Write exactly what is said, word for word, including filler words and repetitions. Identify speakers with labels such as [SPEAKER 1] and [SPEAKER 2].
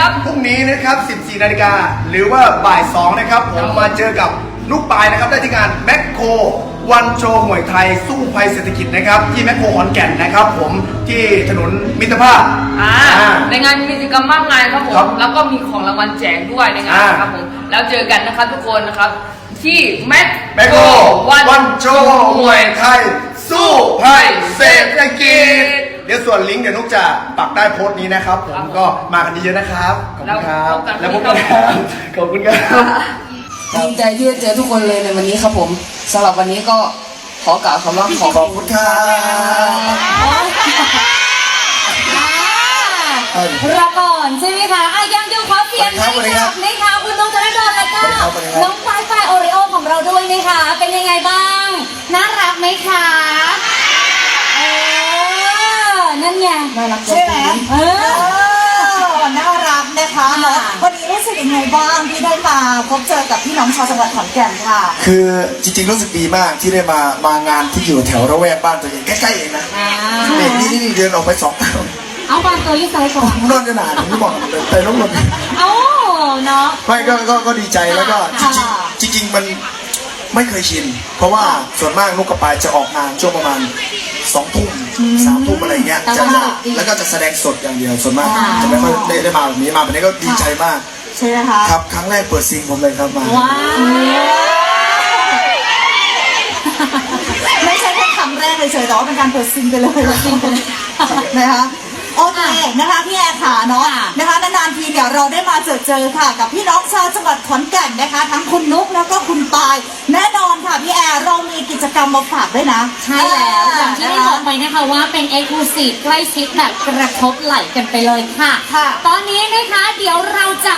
[SPEAKER 1] ครับ
[SPEAKER 2] พรุ่งนี้นะครับสิบสี่นาฬิกาหรือว่าบ่ายสองนะครับผมมาเจอกับลูกปลายนะครับได้ที่งานแมคโครวันโชว์มวยไทยสู้ภัยเศรษฐกิจนะครับที่แมคโครขอนแก่นนะครับผมที่ถนนมิตรภาพ
[SPEAKER 1] อ่าในงานมีกิจกรรมมากมายครับผมแล้วก็มีของรางวัลแจกด้วยในงานนะครับผมแล้วเจอกันนะครับทุกคนนะครับที่แมคโคร
[SPEAKER 2] วันโชว์มวยไทยสู้ภัยเศรษฐกิจเดี๋ยวส่วนลิงก์เดี๋ยวนุกจะปักใต้โพสต์นี้นะครับผมก็มากันเยอะๆนะครับขอบคุณครับแล้วพบกันครับขอบคุณครับ
[SPEAKER 3] ดีใจที่ได้เจอทุกคนเลยในวันนี้ครับผมสำหรับวันนี้ก็ขอกล่าวคำว่าขอบคุณครับ
[SPEAKER 4] รอก่อนใช่ไหมคะอ่ะยังอยู่ขอเสียงให้กับนะคะคุณน้องธนดลแล้วก็น้องฝ้ายฝ้ายโอริโอของเราด้วยนะคะเป็นยังไงบ้างน่ารักไหมคะเออนั่นไง
[SPEAKER 3] น่ารัก
[SPEAKER 4] ใช่ไหมเออ
[SPEAKER 5] น่ารักนะคะวันนี้รู้สึกยังไงบ้างที่ได้มาพบเจอกับพี่น้องชาวจังหวัดขอนแก่นค่ะ
[SPEAKER 6] คือจริงๆรู้สึกดีมากที่ได้มามางานที่อยู่แถวระแวกบ้านตัวเองใกล้ๆเองนะนี่นี่นี่เดินออกไปสอง
[SPEAKER 4] เอาบางตัวยิ่งใส่ก่อน
[SPEAKER 6] นอนจะหนาผมไม่บอกแต่ลงรถ
[SPEAKER 4] เอาเนาะ
[SPEAKER 6] ไม่ก็ก็ก็ดีใจแล้วก็จริงจริงๆมันไม่เคยชินเพราะว่าส่วนมากลูกกระปายจะออกงานช่วงประมาณสองทุ่มสามทุ่มอะไรเงี้ยจะแล้วก็จะแสดงสดอย่างเดียวส่วนมากจะไม่ค่อยได้มาแบบนี้มาแบบนี้ก็ดีใจมาก
[SPEAKER 5] ใช่ไหมคะ
[SPEAKER 6] ครับครั้งแรกเปิดซิงผมเลยครับมา
[SPEAKER 4] ว้าว
[SPEAKER 5] ไม่ใช่แค่ครั้งแรกเลยเฉยแต่ว่าเป็นการเปิดซิงไปเลยซิงไปเลยนะคะโอเคนะคะพี่แอร์ขาเนาะนะคะนานๆทีเนี่ยเราได้มาเจอเจอค่ะกับพี่น้องชาวจังหวัดขอนแก่นนะคะทั้งคุณนุ๊กแล้วก็คุณปายแน่นอนค่ะพี่แอร์เรามีกิจกรรมมาฝากด้วยนะ
[SPEAKER 4] ใช่แล้วอย่างที่ได้บอกไปนะคะว่าเป็นเอ็กซ์คลูซีฟใกล้ชิดแบบกระทบไหล่กันไปเลยค่ะตอนนี้นะคะเดี๋ยวเราจะ